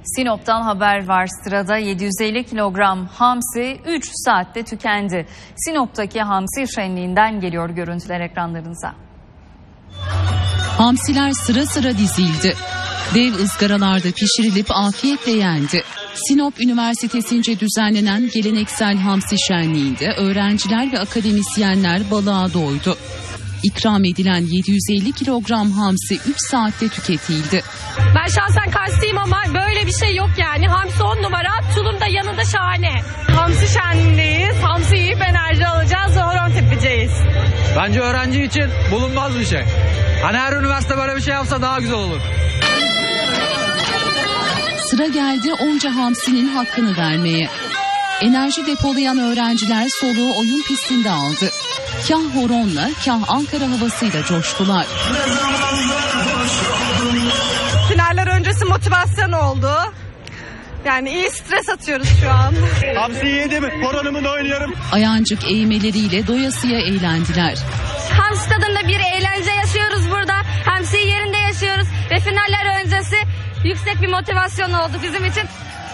Sinop'tan haber var. Sırada 750 kilogram hamsi 3 saatte tükendi. Sinop'taki hamsi şenliğinden geliyor görüntüler ekranlarınıza. Hamsiler sıra sıra dizildi. Dev ızgaralarda pişirilip afiyetle yendi. Sinop Üniversitesi'nce düzenlenen geleneksel hamsi şenliğinde öğrenciler ve akademisyenler balığa doydu. İkram edilen 750 kilogram hamsi 3 saatte tüketildi. Ben şahsen Karslıyım ama böyle bir şey yok yani. Hamsi 10 numara, tulum da yanında şahane. Hamsi şenliğindeyiz. Hamsi yiyip enerji alacağız ve horon tepeceğiz. Bence öğrenci için bulunmaz bir şey. Hani her üniversite böyle bir şey yapsa daha güzel olur. Sıra geldi onca hamsinin hakkını vermeye. Enerji depolayan öğrenciler soluğu oyun pistinde aldı. Kah horonla, kah Ankara havasıyla coştular. Finaller öncesi motivasyon oldu. Yani iyi stres atıyoruz şu an. Hamsi yedim, horonumu oynuyorum. Ayancık eğmeleriyle doyasıya eğlendiler. Hamsi tadında bir eğlence yaşıyoruz burada. Hamsi yerinde yaşıyoruz ve finaller öncesi yüksek bir motivasyon oldu bizim için.